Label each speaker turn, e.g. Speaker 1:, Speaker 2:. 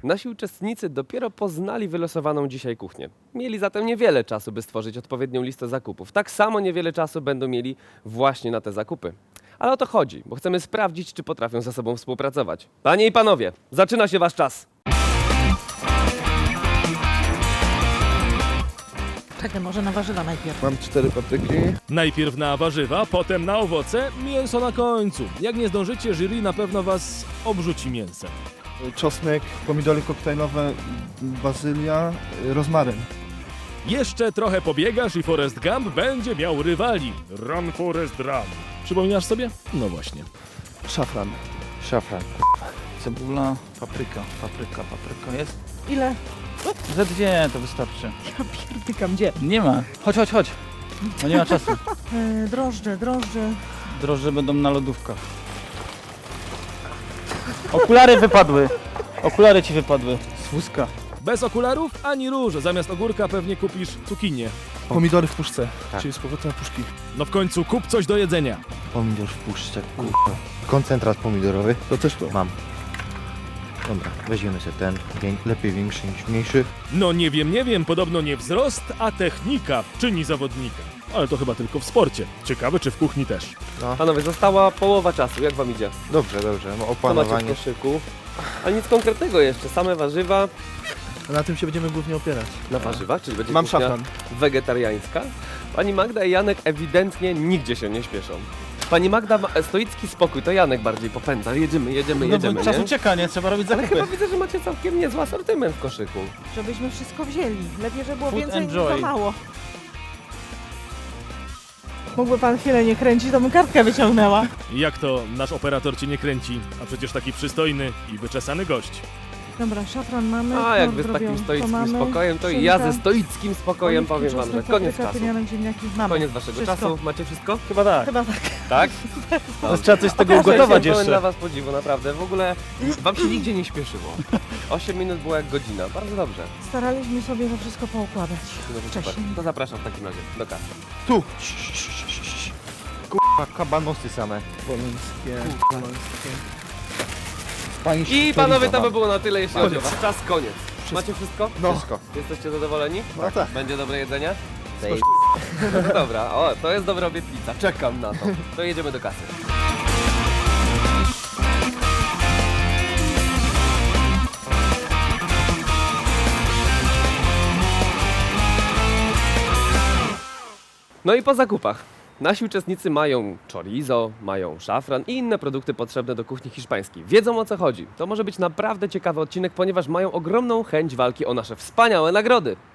Speaker 1: Nasi uczestnicy dopiero poznali wylosowaną dzisiaj kuchnię. Mieli zatem niewiele czasu, by stworzyć odpowiednią listę zakupów. Tak samo niewiele czasu będą mieli właśnie na te zakupy. Ale o to chodzi, bo chcemy sprawdzić, czy potrafią ze sobą współpracować. Panie i panowie, zaczyna się wasz czas.
Speaker 2: Czekaj, może na warzywa najpierw.
Speaker 3: Mam 4 papryki.
Speaker 4: Najpierw na warzywa, potem na owoce, mięso na końcu. Jak nie zdążycie, jury na pewno was obrzuci mięsem.
Speaker 3: Czosnek, pomidory koktajlowe, bazylia, rozmaryn.
Speaker 4: Jeszcze trochę pobiegasz i Forrest Gump będzie miał rywali. Run Forrest Run. Przypominasz sobie? No właśnie.
Speaker 3: Szafran.
Speaker 5: Szafran. Cebula, papryka jest?
Speaker 2: Ile?
Speaker 5: Ze 2 to wystarczy.
Speaker 2: Ja pierdykam, gdzie?
Speaker 5: Nie ma. Chodź. No nie ma czasu.
Speaker 2: Drożdże.
Speaker 5: Drożdże będą na lodówkach. Okulary wypadły. Okulary ci wypadły z wózka.
Speaker 4: Bez okularów ani róż. Zamiast ogórka pewnie kupisz cukinię.
Speaker 3: Pomidory w puszce,
Speaker 5: Tak.
Speaker 3: czyli z powrotem puszki.
Speaker 4: No w końcu kup coś do jedzenia.
Speaker 6: Pomidor w puszce, kurwa. Koncentrat pomidorowy.
Speaker 3: To też to.
Speaker 6: Mam. Dobra, weźmiemy sobie ten. Lepiej większy niż mniejszy.
Speaker 4: No nie wiem, podobno nie wzrost, a technika czyni zawodnika. Ale to chyba tylko w sporcie. Ciekawe, czy w kuchni też.
Speaker 1: Panowie, została połowa czasu, jak wam idzie?
Speaker 6: Dobrze.
Speaker 1: Co macie w
Speaker 6: Opanowanie.
Speaker 1: koszyku? A nic konkretnego jeszcze, same warzywa.
Speaker 3: Na tym się będziemy głównie opierać.
Speaker 1: Na warzywach, czyli będzie
Speaker 3: Mam
Speaker 1: kuchnia
Speaker 3: szafran.
Speaker 1: wegetariańska. Pani Magda i Janek ewidentnie nigdzie się nie śpieszą. Pani Magda ma stoicki spokój, to Janek bardziej popędza. Jedziemy,
Speaker 5: No bo czas
Speaker 1: nie?
Speaker 5: ucieka, nie? Trzeba robić
Speaker 1: Ale
Speaker 5: zakupy.
Speaker 1: chyba widzę, że macie całkiem niezły asortyment w koszyku.
Speaker 2: Żebyśmy wszystko wzięli. Lepiej, żeby było
Speaker 5: Food
Speaker 2: więcej niż
Speaker 5: and joy.
Speaker 2: za mało. Mógłby pan chwilę nie kręcić, to bym kartkę wyciągnęła.
Speaker 4: Jak to nasz operator cię nie kręci, a przecież taki przystojny i wyczesany gość.
Speaker 2: Dobra, szafran mamy.
Speaker 1: A jak wy z
Speaker 2: kor
Speaker 1: takim
Speaker 2: robią,
Speaker 1: stoickim
Speaker 2: mamy,
Speaker 1: spokojem, to i
Speaker 2: szynka,
Speaker 1: ja ze stoickim spokojem
Speaker 2: oliwki,
Speaker 1: powiem wam, że
Speaker 2: czosnek,
Speaker 1: koniec
Speaker 2: papryka,
Speaker 1: czasu.
Speaker 2: tymianek, ziemniaki. Mamy.
Speaker 1: Koniec waszego
Speaker 2: Wszystko.
Speaker 1: czasu. Macie wszystko?
Speaker 5: Chyba tak.
Speaker 2: Chyba tak.
Speaker 1: Tak?
Speaker 5: Teraz trzeba coś z tego
Speaker 1: Okaże się,
Speaker 5: ugotować
Speaker 1: pełen
Speaker 5: jeszcze.
Speaker 1: dla was podziwu, naprawdę. W ogóle wam się nigdzie nie śpieszyło. 8 minut było jak godzina. Bardzo dobrze.
Speaker 2: Staraliśmy sobie to wszystko poukładać
Speaker 1: No to super.
Speaker 2: wcześniej.
Speaker 1: To zapraszam w takim razie do kasy.
Speaker 3: Tu!
Speaker 6: Kurwa, kabanosy same.
Speaker 3: Polońskie.
Speaker 1: I panowie, to by było na tyle, jeśli chodzi o
Speaker 3: Koniec.
Speaker 1: was. Czas, koniec. Macie wszystko?
Speaker 3: No.
Speaker 6: Wszystko.
Speaker 1: Jesteście zadowoleni?
Speaker 3: No tak.
Speaker 1: Będzie dobre jedzenie?
Speaker 6: Zaj-
Speaker 1: No to dobra, o, to jest dobra obietnica. Czekam na to. To jedziemy do kasy. No i po zakupach. Nasi uczestnicy mają chorizo, mają szafran i inne produkty potrzebne do kuchni hiszpańskiej. Wiedzą, o co chodzi. To może być naprawdę ciekawy odcinek, ponieważ mają ogromną chęć walki o nasze wspaniałe nagrody.